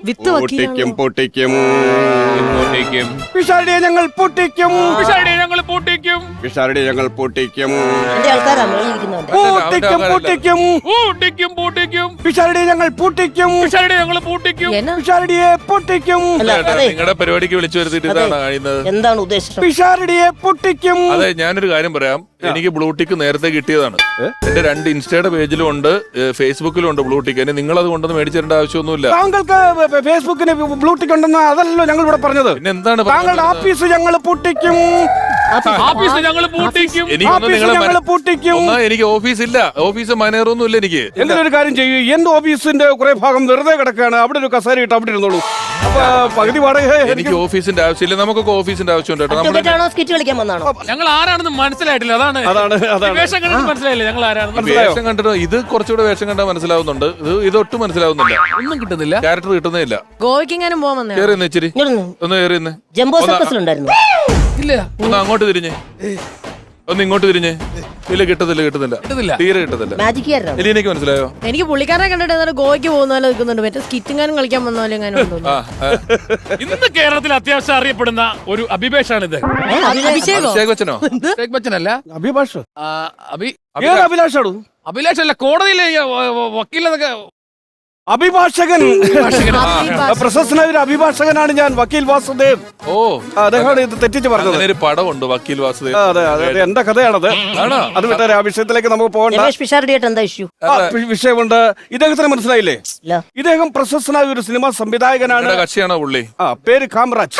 വിത്ത് പൊട്ടിക്കും പൊട്ടിക്കും പൊട്ടിക്കും പിഷാരടിയെ ഞങ്ങൾ പൊട്ടിക്കും പിഷാരടിയെ ഞങ്ങൾ പൊട്ടിക്കും പിഷാരടിയെ ഞങ്ങൾ പൊട്ടിക്കും എന്റെ ആൾക്കാരാ മേളിയിരിക്കുന്നവന്റെ. പൊട്ടിക്കും പൊട്ടിക്കും പൊട്ടിക്കും പൊട്ടിക്കും പിഷാരടിയെ ഞങ്ങൾ പൊട്ടിക്കും പിഷാരടിയെ ഞങ്ങൾ പൊട്ടിക്കും എന്നാ പിഷാരടിയെ പൊട്ടിക്കും അല്ല, അതെ, നിങ്ങളുടെ പരിപാടിക്ക് വിളിച്ചു വരുത്തിട്ട് ഇതാണ് കഴിയുന്നത്. എന്താണ് ഉദ്ദേശം? പിഷാരടിയെ പൊട്ടിക്കും. അതെ, ഞാനൊരു കാര്യം പറയാം. എനിക്ക് ബ്ലൂടിക്ക് നേരത്തെ കിട്ടിയതാണ്. എന്റെ 2 ഇൻസ്റ്റയുടെ പേജിലും ഉണ്ട്, ഫേസ്ബുക്കിലും ഉണ്ട് ബ്ലൂടിക്ക്. നിങ്ങൾ അത് കൊണ്ടൊന്ന് മേടിച്ചിടേണ്ട ആവശ്യമൊന്നുമില്ല. താങ്കൾക്ക് ഫേസ്ബുക്കിന് ബ്ലൂടിക്ക് ഉണ്ടെന്ന് അതല്ലല്ലോ ഞങ്ങൾ ഇവിടെ പറഞ്ഞത്. പിന്നെ എന്താണ് താങ്കളുടെ ഓഫീസ് ഞങ്ങൾ പൊട്ടിക്കും. ഓഫീസ് ഞങ്ങൾ പൂട്ടിക്കും. ഓഫീസ് ഞങ്ങൾ പൊട്ടിക്കും. എനിക്ക് ഓഫീസ് ഇല്ല, ഓഫീസ് മാനേറൊന്നും ഇല്ല എനിക്ക്. എന്തെങ്കിലും ഒരു കാര്യം ചെയ്യൂ. എന്റെ ഓഫീസിന്റെ കുറെ ഭാഗം വെറുതെ കിടക്കുകയാണ്. അവിടെ ഒരു കസേര ഇട്ട് അവിടെ ഇരുന്നോളൂ. അപ്പൊ പകുതി വാടക എനിക്ക് ഓഫീസിന്റെ ആവശ്യമില്ല. നമുക്കൊക്കെ ഓഫീസിന്റെ ആവശ്യമുണ്ട് കേട്ടോ. അഡ്വക്കേറ്റാണോ സ്കിറ്റ് കളിക്കാൻ വന്നാണോ? ഞങ്ങൾ ആരാണെന്ന് മനസ്സിലായിട്ടില്ല. അതാണ് അതാണ് വേഷം കണ്ടിട്ട് മനസ്സിലായില്ല ഞങ്ങൾ ആരാണെന്ന്. മനസ്സിലായോ? വേഷം കണ്ടിട്ട് ഇത് കുറച്ചുകൂടെ വേഷം കണ്ടാൽ മനസ്സിലാവുന്നുണ്ട്. ഇതൊട്ടും മനസ്സിലാവുന്നില്ല. ഒന്നും കിട്ടുന്നില്ല, ക്യാരക്ടർ കിട്ടുന്നേ ഇല്ല. ഗോവയ്ക്കെങ്ങാനും പോവാൻ വന്നേ കേറി ഇച്ചിരി ഇങ്ങോട്ട് ഒന്ന് കേറി ഇന്ന്. ജംബോ സർക്കസിലുണ്ടായിരുന്നു. ഇല്ല, ഒന്ന് അങ്ങോട്ട് തിരിഞ്ഞ്, ഒന്ന് ഇങ്ങോട്ട് തിരിഞ്ഞ്. ഇല്ല, കിട്ടുന്നില്ല, തീരെ കിട്ടുന്നില്ല. മാജിക് കാരനാണ്. എലിനക്ക് മനസ്സിലായോ? എനിക്ക് പുള്ളിക്കാരനെ കണ്ടിട്ട് ഏതാണ്ട് ഗോവയ്ക്ക് പോകുന്ന പോലെ നിൽക്കുന്നുണ്ട്. മറ്റേ സ്കിറ്റിങ്ങാനും കളിക്കാൻ വന്ന പോലെ എങ്ങാനും ഉണ്ടോ? ഇന്ന് കേരളത്തിൽ അത്യാവശ്യം അറിയപ്പെടുന്ന ഒരു അഭിഭാഷാണിത്. അഭിഷേകോ? അഭിഷേക് ബച്ചനോ? ഷേഖ് ബച്ചനല്ല, അഭിഭാഷ് അഭി അഭിലാഷാണു അഭിലാഷല്ല, കോടതിയിലെ വക്കീലൊക്കെ. അഭിഭാഷകൻ. പ്രശസ്തനായ ഒരു അഭിഭാഷകനാണ് ഞാൻ, വക്കീൽ വാസുദേവ്. ഓ, അദ്ദേഹമാണ് ഇത് തെറ്റിച്ച് പറഞ്ഞത്. അങ്ങനെ ഒരു പടമുണ്ട്, വക്കീൽ വാസുദേവ്. അതെ അതെ, എന്റെ കഥയാണത്. അത് വിട്ടാരെ, ആ വിഷയത്തിലേക്ക് നമുക്ക് പോകണ്ട. രമേഷ് പിഷാരടിയായിട്ട് എന്താ ഇഷ്യൂ? വിഷയമുണ്ട്. ഇദ്ദേഹത്തിന് മനസ്സിലായില്ലേ? ഇല്ല. ഇദ്ദേഹം പ്രശസ്തനായ ഒരു സിനിമാ സംവിധായകനാണ്. കക്ഷിയാണോ പുള്ളി? പേര് കാമറാജ്.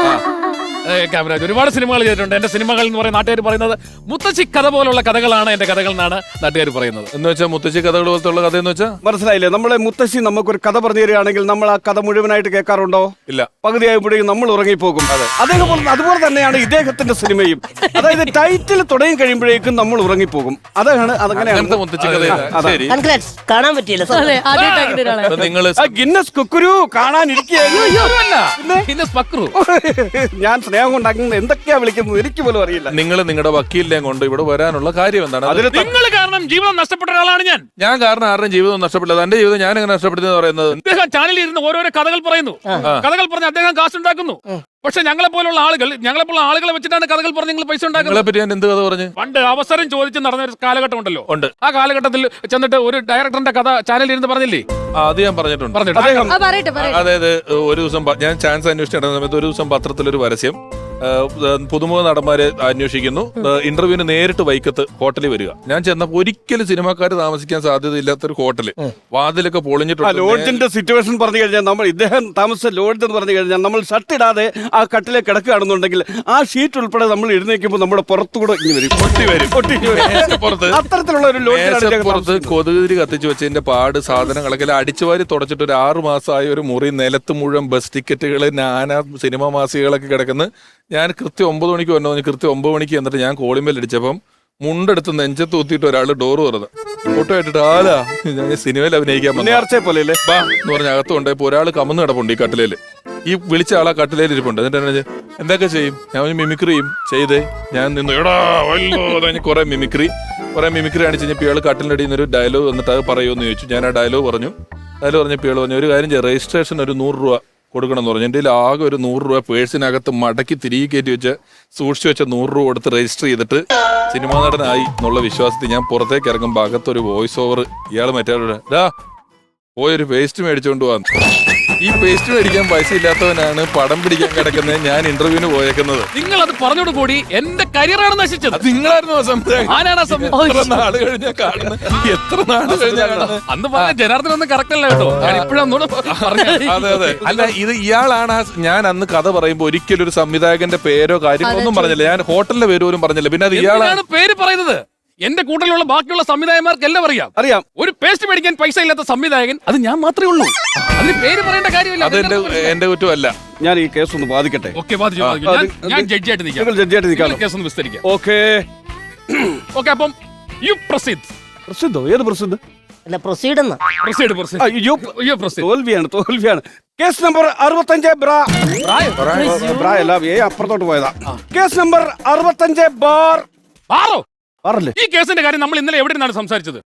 കാമരാജ് ഒരുപാട് സിനിമകൾ ചെയ്തിട്ടുണ്ട്. എന്റെ സിനിമകൾ എന്ന് പറയുന്ന നാട്ടുകാർ പറയുന്നത് മുത്തശ്ശി കഥ പോലുള്ള കഥകളാണ് എന്റെ കഥകൾ എന്നാണ് നാട്ടുകാർ പറയുന്നത്. എന്ന് വെച്ചാൽ മുത്തശ്ശി കഥകൾ പോലത്തെ ഉള്ള കഥ എന്ന് വെച്ചാൽ മനസ്സിലായില്ലേ? നമ്മളെ മുത്തശ്ശി നമുക്കൊരു കഥ പറഞ്ഞു തരികയാണെങ്കിൽ നമ്മൾ ആ കഥ മുഴുവനായിട്ട് കേൾക്കാറുണ്ടോ? ഇല്ല. പകുതിയായപ്പോഴേക്കും നമ്മൾ ഉറങ്ങിപ്പോകും. അതുപോലെ തന്നെയാണ് ഇദ്ദേഹത്തിന്റെ സിനിമയും. അതായത് ടൈറ്റിൽ തുടങ്ങി കഴിയുമ്പോഴേക്കും നമ്മൾ ഉറങ്ങിപ്പോകും. അതാണ് അതങ്ങനെയാണ് മുത്തശ്ശി കഥ. ശരി, Congrats. കാണാൻ പറ്റിയില്ല സർ. അതെ, ആദ്യമായിട്ട് അങ്ങനെ ഒരാളെ. നിങ്ങള് ഗിന്നസ് കുക്കുരു കാണാനിരിക്കുകയായിരുന്നു. ഞാൻ സ്നേഹം കൊണ്ടാക്കുന്നത് എന്തൊക്കെയാ വിളിക്കുന്നത് എനിക്ക് പോലും അറിയില്ല. നിങ്ങൾ നിങ്ങളുടെ വക്കീലിനെ കൊണ്ട് ഇവിടെ വരാനുള്ള കാര്യം എന്താണ്? അതിന് നിങ്ങൾ കാരണം ജീവിതം നഷ്ടപ്പെട്ട ഒരാളാണ് ഞാൻ. ഞാൻ കാരണം ആരുടെയും ജീവിതം നഷ്ടപ്പെട്ടില്ല. എന്റെ ജീവിതം ഞാൻ എങ്ങനെ നഷ്ടപ്പെടുന്നത് പറയുന്നത്? അദ്ദേഹം ചാനലിൽ ഇരുന്ന് ഓരോരോ കഥകൾ പറയുന്നു. കഥകൾ പറഞ്ഞ് അദ്ദേഹം കാശുണ്ടാക്കുന്നു. പക്ഷെ ഞങ്ങളെ പോലുള്ള ആളുകളെ വെച്ചിട്ടാണ് കഥകൾ പറഞ്ഞ് നിങ്ങൾ പൈസ ഉണ്ടാക്കുന്നത്. നിങ്ങളെ പറ്റി ഞാൻ എന്ത് കഥ പറഞ്ഞു? പണ്ട് അവസരം ചോദിച്ച് നടന്ന ഒരു കാലഘട്ടം ഉണ്ടല്ലോ. ഉണ്ട്. ആ കാലഘട്ടത്തിൽ ചെന്നിട്ട് ഒരു ഡയറക്ടറിന്റെ കഥ ചാനലിൽ ഇരുന്ന് പറഞ്ഞില്ലേ? അത് ഞാൻ പറഞ്ഞിട്ടുണ്ട്. ആ, പറയട്ടെ. അതായത് ഒരു ദിവസം ഞാൻ ചാൻസ് അന്വേഷിച്ച് നടന്ന സമയത്ത് ഒരു ദിവസം പത്രത്തിലൊരു പരസ്യം, പുതുമുഖ നടന്മാരെ അന്വേഷിക്കുന്നു, ഇന്റർവ്യൂവിന് നേരിട്ട് വൈക്കത്ത് ഹോട്ടലിൽ വരിക. ഞാൻ ചെന്നപ്പോൾ ഒരിക്കലും സിനിമാക്കാർ താമസിക്കാൻ സാധ്യതയില്ലാത്തൊരു ഹോട്ടല്, വാതിലൊക്കെ പൊളിഞ്ഞിട്ടുണ്ട്. ലോഡ്ജിന്റെ സിറ്റുവേഷൻ പറഞ്ഞു കഴിഞ്ഞാൽ നമ്മൾ ഇദ്ദേഹം താമസിച്ച ലോഡ്ജ് എന്ന് പറഞ്ഞു കഴിഞ്ഞാൽ നമ്മൾ ഷർട്ട് ഇടാതെ ആ കട്ടിലെ കിടക്കുകയാണെന്നുണ്ടെങ്കിൽ ആ ഷീറ്റ് ഉൾപ്പെടെ നമ്മൾ എഴുന്നേക്കുമ്പോൾ നമ്മുടെ പുറത്തുകൂടെ അത്തരത്തിലുള്ള ഒരു പുറത്ത് കൊതുകുതിരി കത്തിച്ചു വെച്ചതിന്റെ പാട്, സാധനങ്ങളൊക്കെ അടിച്ചുവാരി തുടച്ചിട്ട് ഒരു 6 മാസമായ ഒരു മുറി, നിലത്ത് മുഴുവൻ ബസ് ടിക്കറ്റുകള്, നാനാ സിനിമാ മാസികകളൊക്കെ കിടക്കുന്നു. ഞാൻ കൃത്യം 9 മണിക്ക് വന്നു. കൃത്യം 9 മണിക്ക് എന്നിട്ട് ഞാൻ കോളിംബെൽ അടിച്ചപ്പം മുണ്ടെടുത്ത് നെഞ്ചത്ത് ഊത്തിയിട്ട് ഒരാൾ ഡോറ് തുറന്ന് ഫോട്ടോ ആയിട്ടിട്ട് ആലാ ഞാൻ സിനിമയിൽ അഭിനയിക്കാൻ പോലെ ബാ എന്ന് പറഞ്ഞ അകത്തുണ്ട്. ഇപ്പൊ ഒരാൾ കമന്ന് കിടപ്പുണ്ട് ഈ കട്ടിലേല്. ഈ വിളിച്ച ആളാ കട്ടിലേൽ ഇരിപ്പുണ്ട്. എന്നിട്ട് എന്തൊക്കെ ചെയ്യും? ഞാൻ മിമിക്രിയും ചെയ്തേ. ഞാൻ നിന്ന് എടാ കുറെ മിമിക്രി കാണിച്ച് കഴിഞ്ഞപ്പോൾ ഇയാൾ കട്ടിലിന്റെ അടിയിൽ നിന്നൊരു ഡയലോഗ് വന്നിട്ട് അത് പറയുമെന്ന് ചോദിച്ചു. ഞാൻ ആ ഡയലോഗ് പറഞ്ഞപ്പോൾ ഇയാൾ പറഞ്ഞു, ഒരു കാര്യം ചെയ്യാം, രജിസ്ട്രേഷൻ ഒരു 100 രൂപ കൊടുക്കണം എന്ന് പറഞ്ഞു. എൻ്റെ ആകെ ഒരു 100 രൂപ പേഴ്സിനകത്ത് മടക്കി തിരികെ കയറ്റി വെച്ച് സൂക്ഷിച്ചു വെച്ച 100 രൂപ കൊടുത്ത് രജിസ്റ്റർ ചെയ്തിട്ട് സിനിമാ നടനായി എന്നുള്ള വിശ്വാസത്തിൽ ഞാൻ പുറത്തേക്ക് ഇറങ്ങുമ്പോൾ അകത്തൊരു വോയിസ് ഓവർ, ഇയാൾ മറ്റേ പോയൊരു പേസ്റ്റ് മേടിച്ചോണ്ട് പോവാന്ന്. ഈ പേസ്റ്റ് മേടിക്കാൻ പൈസ ഇല്ലാത്തവനാണ് പടം പിടിക്കാൻ കിടക്കുന്നത്. ഞാൻ ഇന്റർവ്യൂവിന് പോയേക്കുന്നത്. നിങ്ങൾ അത് പറഞ്ഞോട് കൂടി എന്റെ കരിയറാണ് നശിച്ചത്. നിങ്ങളായിരുന്നു ആരാണ് നാട് കഴിഞ്ഞാ കാണുന്നത്? എത്ര നാട് കഴിഞ്ഞാ കാണുന്നത്? അന്ന് പറഞ്ഞ ജനാർദ്ദൻ ഒന്നും കറക്റ്റ് അല്ല കേട്ടോ. ഞാൻ ഇപ്പോഴും അതെ അതെ. അല്ല, ഇത് ഇയാളാണ്. ഞാൻ അന്ന് കഥ പറയുമ്പോ ഒരിക്കലും ഒരു സംവിധായകന്റെ പേരോ കാര്യങ്ങളോ ഒന്നും പറഞ്ഞില്ല. ഞാൻ ഹോട്ടലിന്റെ പേര് പോലും പറഞ്ഞില്ല. പിന്നെ അത് ഇയാളാണ് പേര് പറയുന്നത്. എന്റെ കൂട്ടത്തിലുള്ള ബാക്കിയുള്ള സംവിധായകന്മാർക്ക് എല്ലാം അറിയാം. ഒരു പേസ്റ്റ് മേടിക്കാൻ പൈസ ഇല്ലാത്ത സംവിധായകൻ അത് ഞാൻ മാത്രമേ ഉള്ളൂ. അതിന് പേര് പറയേണ്ട കാര്യമില്ല. അത് എന്റെ കുറ്റമല്ല. ഞാൻ ഈ കേസ് ഒന്ന് ബാധിക്കട്ടെ. ഞാൻ ജഡ്ജിയായിട്ട് നിൽക്കാം. കേസ് ഒന്ന് വിസ്തരിക്കാം. ഓക്കെ, അപ്പം യു പ്രസിദ്ധോ? ഏത് പ്രസിദ്ധ്? അല്ല, പ്രൊസീഡ്. തോൽവിയാണ്. കേസ് നമ്പർ 65 ബ്രാ അല്ല, അപ്പുറത്തോട്ട് പോയതാ. Case number 65 bar. ഈ കേസിന്റെ കാര്യം നമ്മൾ ഇന്നലെ എവിടെ നിന്നാണ് സംസാരിച്ചത്?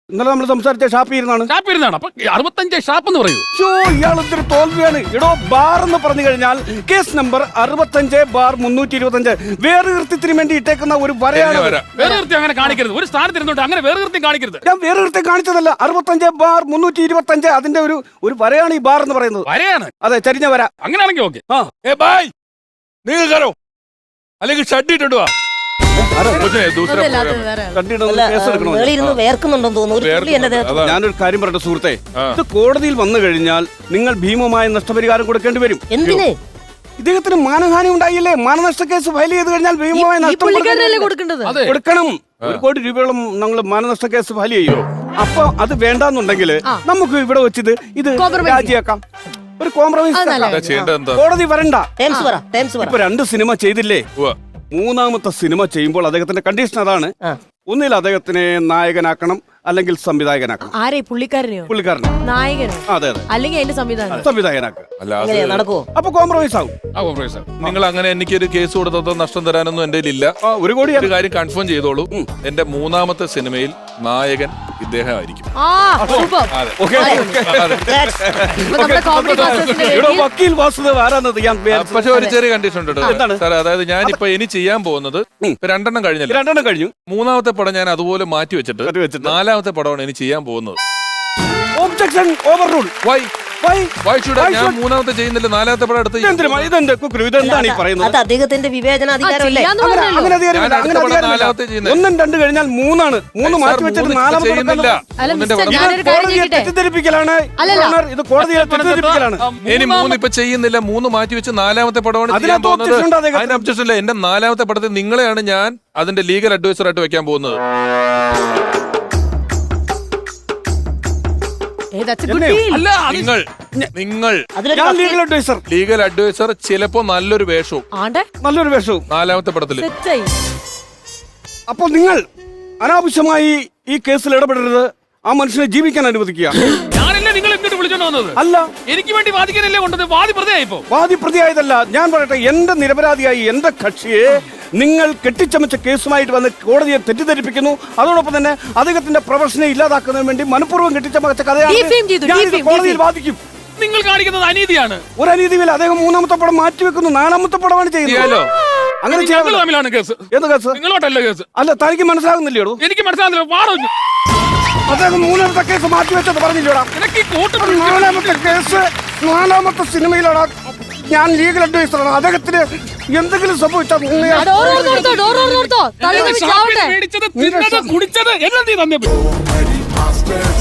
ഇന്നലെ നമ്മൾ സംസാരിച്ച ഷാപ്പിൽ ഇരുന്നാണ്. ഷാപ്പ് ഇരുന്നാണ്. അപ്പൊ 65 ഷാപ്പ് എന്ന് പറയൂ. ഇയാൾ എന്തൊരു തോൽവിയാണ്. ഇടോ ബാർ എന്ന് പറഞ്ഞു കഴിഞ്ഞാൽ കേസ് നമ്പർ 65/325 വേറെ കൃത്യത്തിന് വേണ്ടി ഇട്ടേക്കുന്ന ഒരു വരയാണ്. വേറെ കൃത്യം അങ്ങനെ കാണിക്കരുത്. ഒരു സ്ഥാനത്ത് ഇരുന്നോട്ട് അങ്ങനെ വേറെ കൃത്യം കാണിക്കരുത്. ഞാൻ വേറെ കൃത്യം കാണിച്ചതല്ല. 65/325 അതിന്റെ ഒരു വരയാണ് ഈ ബാർ എന്ന് പറയുന്നത്. വരയാണ്. അതെ, ചരിഞ്ഞ വര. അങ്ങനെയാണെങ്കിൽ ഓക്കെ. നിങ്ങൾ കയറോ അല്ലെങ്കിൽ ഷഡ് ഇട്ടിട്ട് വാ. അതല്ല, അത് വേറെ. കണ്ടിടുന്ന കേസ് എടുക്കണോ? മേളിരുന്ന് വേർക്കുന്നുണ്ടെന്ന് തോന്നുന്നു. ഒരു തുള്ളി എന്റെ ദേഹത്ത്. ഞാനൊരു കാര്യം പറയട്ടെ സുഹൃത്തെ, ഇത് കോടതിയിൽ വന്നു കഴിഞ്ഞാൽ നിങ്ങൾ ഭീമമായ നഷ്ടപരിഹാരം കൊടുക്കേണ്ടി വരും. എന്തിന്? ഇദ്ദേഹത്തിന് മാനഹാനി ഉണ്ടായില്ലേ? മാനനഷ്ട കേസ് ഫയൽ ചെയ്ത് കഴിഞ്ഞാൽ ഭീമമായ ഈ നഷ്ടം പുള്ളിക്കാരനല്ലേ കൊടുക്കേണ്ടത്? കൊടുക്കണം. 1 കോടി രൂപയോളം ഞങ്ങൾ മാനനഷ്ട കേസ് ഫയൽ ചെയ്യോ. അപ്പൊ അത് വേണ്ടാന്നുണ്ടെങ്കിൽ നമുക്ക് ഇവിടെ വെച്ചിത് ഇത് രാജിയാക്കാം. ഒരു കോംപ്രമൈസ്. കോടതി വരണ്ട. ടേംസ് പറ, ടേംസ് പറ. ഇപ്പൊ 2 സിനിമ ചെയ്തില്ലേ? മൂന്നാമത്തെ സിനിമ ചെയ്യുമ്പോൾ അദ്ദേഹത്തിന്റെ കണ്ടീഷൻ അതാണ്. ഒന്നിൽ അദ്ദേഹത്തിനെ നായകനാക്കണം, അല്ലെങ്കിൽ സംവിധായകനാക്കണം. ആരെ? പുള്ളിക്കാരനെയോ? പുള്ളിക്കാരനെ. നായകനോ? അതെ അതെ, അല്ലെങ്കിൽ അതിന്റെ സംവിധാനം. സംവിധായകനാക്കുക. എങ്ങനെയാ നടക്കുവോ? അപ്പൊ കോംപ്രമൈസ് ആവും. നിങ്ങൾ അങ്ങനെ എനിക്കൊരു കേസ് കൊടുത്തോ നഷ്ടം തരാനൊന്നും എന്റെ ഇല്ല. 1 കോടി. ഒരു കാര്യം കൺഫേം ചെയ്തോളൂ, എന്റെ മൂന്നാമത്തെ സിനിമയിൽ നായകൻ ഇദ്ദേഹം ആയിരിക്കും. സൂപ്പർ. ഓക്കേ, ഇപ്പൊ നമ്മുടെ കോമഡി ക്ലാസ്സസിന്റെ ഇവിടെ വക്കീൽ വാസുദേവ് ആരാന്നത് ഞാൻ പക്ഷെ ഒരു ചെറിയ കണ്ടീഷൻ ഉണ്ട് എന്താണ്? സാർ. അതായത് ഞാനിപ്പോ ഇനി ചെയ്യാൻ പോകുന്നത് ഇപ്പൊ 2 കഴിഞ്ഞല്ലോ. 2 കഴിഞ്ഞു. മൂന്നാമത്തെ പടം ഞാൻ അതുപോലെ മാറ്റി വെച്ചിട്ട് 4ാമത്തെ പടമാണ് ഇനി ചെയ്യാൻ പോകുന്നത്. Objection overrule. Why should I? ഞാൻ 3ാമത്തെ ചെയ്യുന്നില്ല, 4ാമത്തെ പടം എടുത്ത് ഇതെന്താണ് ഈ പറയുന്നത്? അത് അദ്ദേഹത്തിന്റെ വിവേചനാധികാരമല്ലേ? അങ്ങനെ അധികാരമില്ല. അങ്ങനെ അധികാരമില്ല. 1 ഉം 2 കഴിഞ്ഞാൽ 3 ആണ്. 3 മാറ്റി വെച്ചിട്ട് 4ാമത്തെ ചെയ്യുന്നില്ല. അല്ല മിസ്റ്റർ, ഞാനൊരു കാര്യം ചോദിക്കട്ടെ? തെറ്റിദ്ധരിപ്പിക്കലാണ്. അല്ലല്ല. ഇത് കോടതിയെ തെറ്റിദ്ധരിപ്പിക്കലാണ്. ഇനി 3 ഇപ്പൊ ചെയ്യുന്നില്ല, 3 മാറ്റി വെച്ച് 4ാമത്തെ പടമാണ് ചെയ്യാൻ പോകുന്നത്. അതിന് ഒബ്ജക്ഷൻ ഇല്ല. എന്റെ 4ാമത്തെ പടത്തിൽ നിങ്ങളെയാണ് ഞാൻ അതിന്റെ ലീഗൽ അഡ്വൈസർ ആയിട്ട് വെക്കാൻ പോകുന്നത്. അല്ല, നിങ്ങൾ ഞാൻ ലീഗൽ അഡ്വൈസർ. ലീഗൽ അഡ്വൈസർ ചിലപ്പോ നല്ലൊരു വേഷവും നല്ലൊരു വേഷവും 4ാമത്തെ പടത്തില്. അപ്പൊ നിങ്ങൾ അനാവശ്യമായി ഈ കേസിൽ ഇടപെടരുത്. ആ മനുഷ്യനെ ജീവിക്കാൻ അനുവദിക്കുക. ഞാനല്ലേ നിങ്ങൾ എന്നിട്ട് വിളിച്ചോണ്ട് വന്നത്? അല്ല, എനിക്ക് വേണ്ടി വാദിക്കാനല്ലേ കൊണ്ടത്? വാദി പ്രതിയായിപ്പോ? വാദി പ്രതിയായതല്ല. ഞാൻ പറയട്ടെ, എന്റെ നിരപരാധിയായി എന്റെ കക്ഷിയെ നിങ്ങൾ കെട്ടിച്ചമച്ച കേസുമായിട്ട് വന്ന് കോടതിയെ തെറ്റിദ്ധരിപ്പിക്കുന്നു. അതോടൊപ്പം തന്നെ അദ്ദേഹത്തിന്റെ പ്രൊഫഷനെ ഇല്ലാതാക്കുന്നതിന് വേണ്ടി മനഃപൂർവ്വം കെട്ടിച്ചമച്ച കഥയാണ് കോടതിയിൽ വാദിക്കും. നിങ്ങൾ കാണിക്കുന്നത് അനീതിയാണ്. ഒരു അനീതിയില്ല. അദ്ദേഹം 3ാമത്തെ പടം മാറ്റിവെക്കുന്നു, 4ാമത്തെ പടമാണ് ചെയ്യുന്നത്. അങ്ങനെ തമ്മിലാണ് കേസ്. എന്ത് കേസ്? നിങ്ങളോട്ടല്ല കേസ്. അല്ല, തനിക്ക് മനസ്സിലാകുന്നില്ലയോ? എനിക്ക് മനസ്സിലാകുന്നില്ല. വാടോ, അദ്ദേഹം 3ാമത്തെ കേസ് മാറ്റിവെച്ചത് പറഞ്ഞില്ലോടാ. 4ാമത്തെ കേസ് 4ാമത്തെ സിനിമയിലാണ്. ഞാൻ ലീഗൽ അഡ്വൈസറാണ്. അദ്ദേഹത്തിന് എന്തെങ്കിലും സംഭവിച്ചാൽ കുടിച്ചത് എല്ലാം നീ തന്നെ.